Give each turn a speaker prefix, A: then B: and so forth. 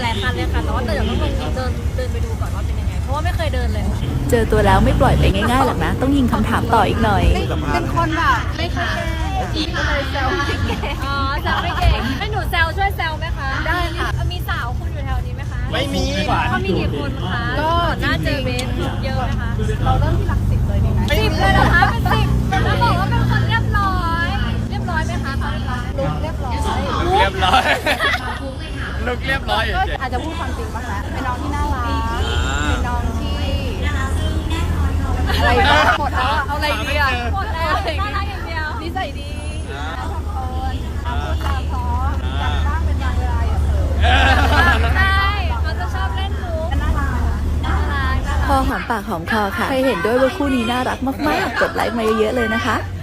A: ลายๆคันเลยค่ะแต่ว่าเดี๋ยวต้องลงเดินไปดูก่อนว่าเป็นยังไงเพราะว่าไม่เคยเดินเลย
B: เจอตัวแล้วไม่ปล่อยไปง่ายๆหรอกนะ ต้องยิงคำถามต่ออีกหน่อย
A: เป็นคนแบบไม่เคยก็เลยแซวไม่เก่งอ๋อแซวไม่เก่งให้หนูแซวช่วยแซวไหมคะได้ค่ะมีสาวคุณอยู่แถวนี้ไหมคะ
C: ไม่มี
A: เขามีกี่คนคะก็น่าเจอเบสเยอะนะคะเราเริ่มที่หลัก10เลยดีไหม10เลยนะคะเป็น10แล้วบอกว่าเป็นคนเรียบร้อยไหมคะเขาเรียบร้อยลุกเรียบร้อย
C: ลุกเรียบร้อย
A: ก็อาจจะพูดความจริงบ้างนะเป็นน้องที่น่ารักเป็นน้องที่อะไรหมดแล้วเอาอะไรดีอ่ะหมดแล้วน่ารักอย่างเดียวนิสัยดีทำคนพูดจาเพราะอยากบ้างเป็นบางเวลาอย่าเผลอใช่เขาจะชอบเล่นมุกน่ารัก
B: พอหอมปากหอมคอค่ะ ใครเห็นด้วยว่าคู่นี้น่ารักมากๆ กดไลค์มาเยอะๆเลยนะคะ